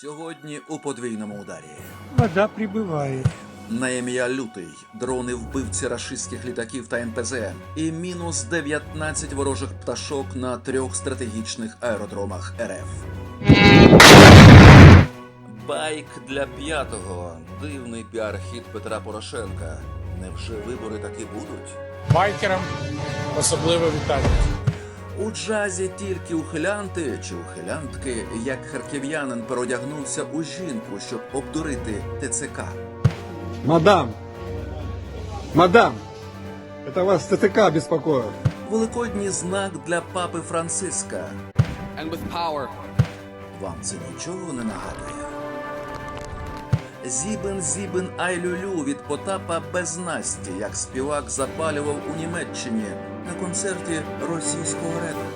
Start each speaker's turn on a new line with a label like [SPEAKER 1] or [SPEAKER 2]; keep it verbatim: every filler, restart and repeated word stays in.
[SPEAKER 1] Сьогодні у подвійному ударі.
[SPEAKER 2] Вода прибывает.
[SPEAKER 1] На ім'я Лютий, дрони вбивці рашистських літаків та ен пе зе і мінус дев'ятнадцять ворожих пташок на трьох стратегічних аеродромах ер еф. Байк для п'ятого. Дивний піар-хід Петра Порошенка. Невже вибори таки будуть?
[SPEAKER 3] Байкерам особливе вітання.
[SPEAKER 1] У джазі тільки ухилянти чи ухилянтки, як харків'янин переодягнувся у жінку, щоб обдурити те це ка.
[SPEAKER 4] Мадам! Мадам! Это вас тэ тэ ка беспокоит.
[SPEAKER 1] Великодній знак для папи Франциска.
[SPEAKER 5] and with power.
[SPEAKER 1] Вам це нічого не нагадує? Зібен, зібен, ай люлю від Потапа без Насті, як співак запалював у Німеччині на концерті російського репу.